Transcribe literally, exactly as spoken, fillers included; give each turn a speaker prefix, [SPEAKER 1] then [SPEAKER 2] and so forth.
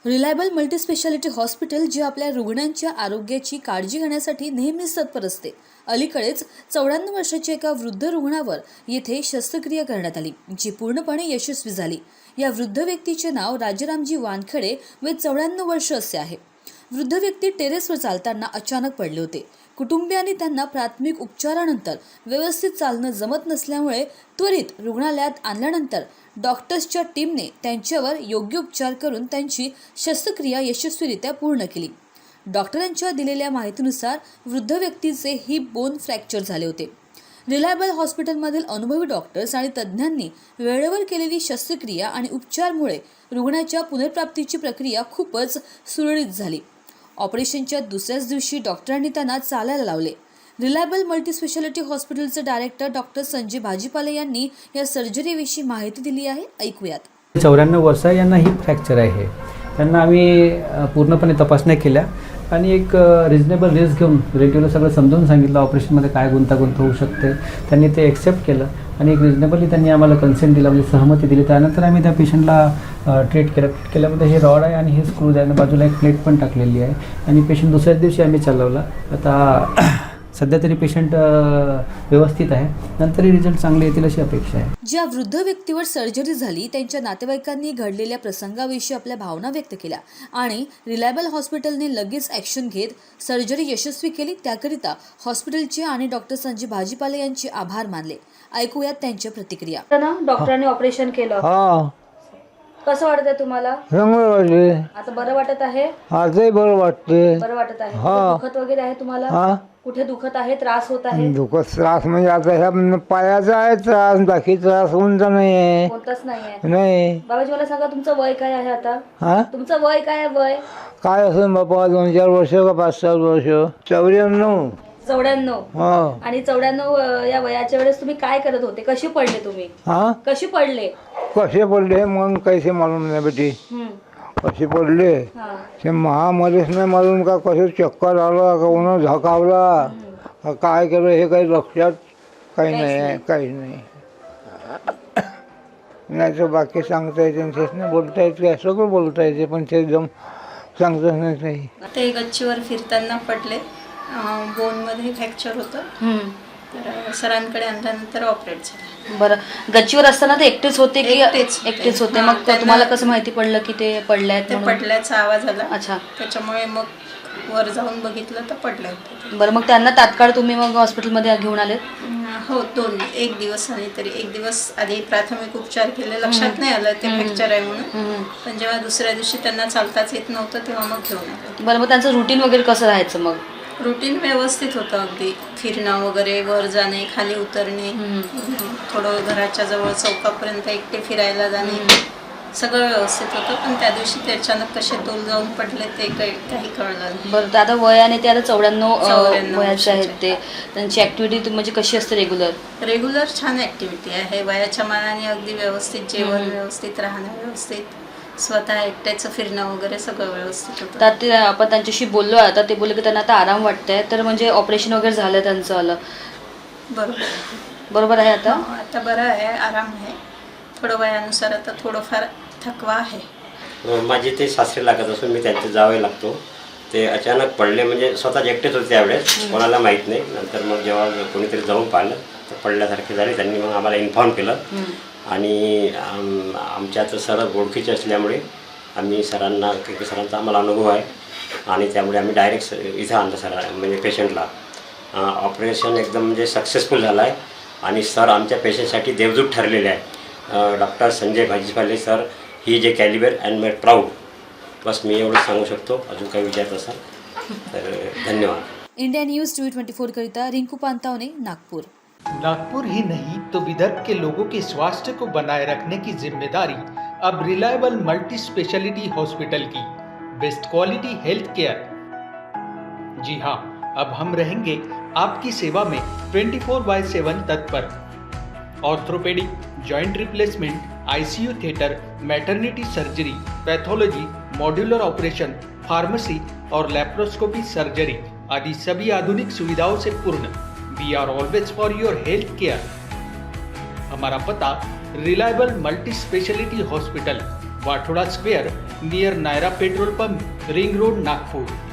[SPEAKER 1] Reliable multispeciality hospital जे आपल्या रुग्णांच्या आरोग्याची काळजी घेण्यासाठी नेहमीच तत्पर असते. अलीकडेच चौऱ्याण्णव वर्षाच्या एका वृद्ध रुग्णावर येथे शस्त्रक्रिया करण्यात आली, जी पूर्णपणे यशस्वी झाली. या वृद्ध व्यक्तीचे नाव राजारामजी वानखेडे व चौऱ्याण्णव वर्ष असे आहे. वृद्ध व्यक्ती टेरेसवर चालताना अचानक पडले होते. कुटुंबियांनी त्यांना प्राथमिक उपचारानंतर व्यवस्थित चालणं जमत नसल्यामुळे त्वरित रुग्णालयात आणल्यानंतर डॉक्टर्सच्या टीमने त्यांच्यावर योग्य उपचार करून त्यांची शस्त्रक्रिया यशस्वीरित्या पूर्ण केली. डॉक्टरांच्या दिलेल्या माहितीनुसार वृद्ध व्यक्तीचे हिप बोन फ्रॅक्चर झाले होते. रिलायबल हॉस्पिटलमधील अनुभवी डॉक्टर्स आणि तज्ज्ञांनी वेळेवर केलेली शस्त्रक्रिया आणि उपचारमुळे रुग्णाच्या पुनर्प्राप्तीची प्रक्रिया खूपच सुरळीत झाली. ऑपरेशनच्या दुसऱ्याच दिवशी डॉक्टरांनी त्यांना चालायला लावले. रिलायबल मल्टीस्पेशालिटी हॉस्पिटलचे डायरेक्टर डॉक्टर संजय भाजीपाले यांनी या सर्जरीविषयी माहिती दिली आहे. ऐकूयात.
[SPEAKER 2] चौऱ्याण्णव वर्ष यांना हिप फ्रॅक्चर आहे. त्यांना आम्ही पूर्णपणे तपासण्या केल्या आणि एक रिजनेबल रिस्क घेऊन रिलेटिव्हला सगळं समजावून सांगितलं ऑपरेशनमध्ये काय गुंतागुंत होऊ शकते. त्यांनी ते ॲक्सेप्ट केलं आणि एक रिजनेबली त्यांनी आम्हाला कन्सेंट दिला, म्हणजे सहमती दिली. त्यानंतर आम्ही त्या पेशंटला ट्रीट केलं. ट्रीट केल्यामध्ये हे रॉड आहे आणि हे स्क्रूज आहे आणि बाजूला एक प्लेट पण टाकलेली आहे आणि पेशंट दुसऱ्याच दिवशी आम्ही चालवला. आता सध्या तरी पेशंट व्यवस्थित आहे, नंतरही रिझल्ट चांगले येतील अशी अपेक्षा आहे.
[SPEAKER 1] ज्या वृद्ध व्यक्तीवर सर्जरी झाली त्यांच्या नातेवाईकांनी घडलेल्या प्रसंगाविषयी आपल्या भावना व्यक्त केल्या आणि रिलायबल हॉस्पिटलने लगेच ॲक्शन घेत सर्जरी यशस्वी केली. त्याकरिता हॉस्पिटलचे आणि डॉक्टर संजय भाजीपाले यांचे आभार मानले. ऐकूयात त्यांच्या प्रतिक्रिया. डॉक्टरांनी ऑपरेशन केलं,
[SPEAKER 3] हा
[SPEAKER 1] कसं वाटतंय तुम्हाला?
[SPEAKER 3] चांगलं वाटले.
[SPEAKER 1] आता बरं वाटत आहे?
[SPEAKER 3] आजही बरं वाटते.
[SPEAKER 1] बरं वाटत आहे.
[SPEAKER 3] हा.
[SPEAKER 1] दुखत वगैरे आहे तुम्हाला?
[SPEAKER 3] हा
[SPEAKER 1] कुठे दुखत आहे? त्रास होत आहे?
[SPEAKER 3] दुखत त्रास म्हणजे आता ह्या पायाचा आहे त्रास, बाकी त्रास कोणता नाही आहे.
[SPEAKER 1] कोणताच नाही आहे.
[SPEAKER 3] नाही.
[SPEAKER 1] बाबाजी मला सांगा, तुमचं वय काय आहे आता?
[SPEAKER 3] हा
[SPEAKER 1] तुमचं वय काय आहे? वय
[SPEAKER 3] काय असेल बाबा, दोन चार वर्ष का पाच सात वर्ष? चौऱ्याण्णव.
[SPEAKER 1] चौऱ्याण्णव.
[SPEAKER 3] हा
[SPEAKER 1] आणि चौऱ्याण्णव या वयाच्या वेळेस तुम्ही काय करत होते? कशी पडले तुम्ही?
[SPEAKER 3] हा
[SPEAKER 1] कशी पडले?
[SPEAKER 3] कसे पडले मग कैसे मालूम नाही बेटी.
[SPEAKER 1] हम्म.
[SPEAKER 3] कसे पडले
[SPEAKER 1] हा.
[SPEAKER 3] ते महामध्येच नाही मालूम का कसे चक्कर आला का उन्हा झाकावला का काय केलं हे काही लक्षात काही नाही आहे. काही नाही. नाही तर बाकी सांगता येते, तेच नाही बोलता येते, सगळं बोलता येते, पण ते एकदम सांगतच नाही काही.
[SPEAKER 4] ते गच्चीवर फिरताना पडले. बोनमध्ये फ्रॅक्चर होतं. तर सरांकडे आणल्यानंतर ऑपरेट झालं.
[SPEAKER 1] बरं, गच्चीवर असताना ते एकटेच होते की?
[SPEAKER 4] एकटेच होते.
[SPEAKER 1] एकटेच होते.
[SPEAKER 4] हा,
[SPEAKER 1] मग
[SPEAKER 4] त्यांना-
[SPEAKER 1] तुम्हाला कसं माहिती पडलं की ते पडल्यात
[SPEAKER 4] ते
[SPEAKER 1] म्हणून?
[SPEAKER 4] पडल्याचा आवाज आला.
[SPEAKER 1] अच्छा.
[SPEAKER 4] त्याच्यामुळे मग वर जाऊन बघितलं तर पडले होते.
[SPEAKER 1] बरं, मग त्यांना तात्काळ तुम्ही मग हॉस्पिटलमध्ये घेऊन आले?
[SPEAKER 4] हो, दोन एक दिवस आणि तरी एक दिवस आधी प्राथमिक उपचार केले. लक्षात नाही आलं ते फ्रॅक्चर आहे म्हणून. पण जेव्हा दुसऱ्या दिवशी त्यांना चालताच येत नव्हतं तेव्हा मग घेऊन आले.
[SPEAKER 1] बरं, मग त्यांचं रुटीन वगैरे कसं राहायचं मग?
[SPEAKER 4] रुटीन व्यवस्थित होतं. अगदी फिरणं वगैरे, वर जाणे, खाली उतरणे, थोडं घराच्या जवळ चौकापर्यंत एकटे फिरायला जाणे, सगळं व्यवस्थित होतं. पण त्या दिवशी ते अचानक कसे तोल जाऊन पडले ते काही काही कळलं नाही.
[SPEAKER 1] बरं, तर आता वयाने ते आता चौऱ्याण्णव
[SPEAKER 4] चौऱ्याण्णव
[SPEAKER 1] वयाचे आहेत.
[SPEAKER 4] वर्षाचे.
[SPEAKER 1] ते त्यांची ॲक्टिव्हिटी म्हणजे कशी असते रेग्युलर?
[SPEAKER 4] रेग्युलर छान ॲक्टिव्हिटी आहे. वयाच्या मानाने अगदी व्यवस्थित जेवण, व्यवस्थित राहणं, व्यवस्थित स्वतः एकट्याचं फिरणं वगैरे सगळं व्यवस्थित होतं.
[SPEAKER 1] तर ते आपण त्यांच्याशी बोललो आता, ते बोलले की त्यांना आता आराम वाटतंय. तर म्हणजे ऑपरेशन वगैरे झालं त्यांचं आलं
[SPEAKER 4] बरोबर
[SPEAKER 1] बरोबर आहे आता?
[SPEAKER 4] हो, आता बरं आहे, आराम आहे. थोडं वयानुसार आता थोडंफार थकवा आहे.
[SPEAKER 5] माझे ते सासरे लागत असून मी त्यांचे जावे लागतो. ते अचानक पडले, म्हणजे स्वतःच एकटेच होते त्यावेळेस, कोणाला माहीत नाही. नंतर मग जेव्हा कोणीतरी जाऊन पाहिलं तर पडल्यासारखे झाले. त्यांनी मग आम्हाला इन्फॉर्म केलं आणि आम आमच्या तर सर ओळखीचे असल्यामुळे आम्ही सरांना, के सरांचा आम्हाला अनुभव आहे आणि त्यामुळे आम्ही डायरेक्ट इथं आणलं सर, म्हणजे पेशंटला. ऑपरेशन एकदम म्हणजे सक्सेसफुल झालं आहे आणि सर आमच्या पेशंटसाठी देवदूत ठरलेले आहे. डॉक्टर संजय भाजीपाले सर, ही जे कॅलिबर अँड मेड प्राऊड. बस मी एवढं सांगू शकतो. अजून काही विचारत असाल तर धन्यवाद.
[SPEAKER 1] India news T twenty four करिता रिंकू पांतावने, नागपुर.
[SPEAKER 6] नागपुर ही नहीं तो विदर्भ के लोगों के स्वास्थ्य को बनाए रखने की जिम्मेदारी अब रिलायबल मल्टी स्पेशलिटी हॉस्पिटल की। Best quality health care. जी हाँ, अब हम रहेंगे आपकी सेवा में चौबीस बाय सात तत्पर। Orthopaedic, joint replacement, ICU theatre, maternity surgery, pathology, modular operation, pharmacy और लैप्रोस्कोपी सर्जरी आदि सभी आधुनिक सुविधाओं से पूर्ण। We are always for your health care. हमारा पता reliable multi speciality hospital, Wathoda square near Nayara petrol pump, ring road, Nagpur.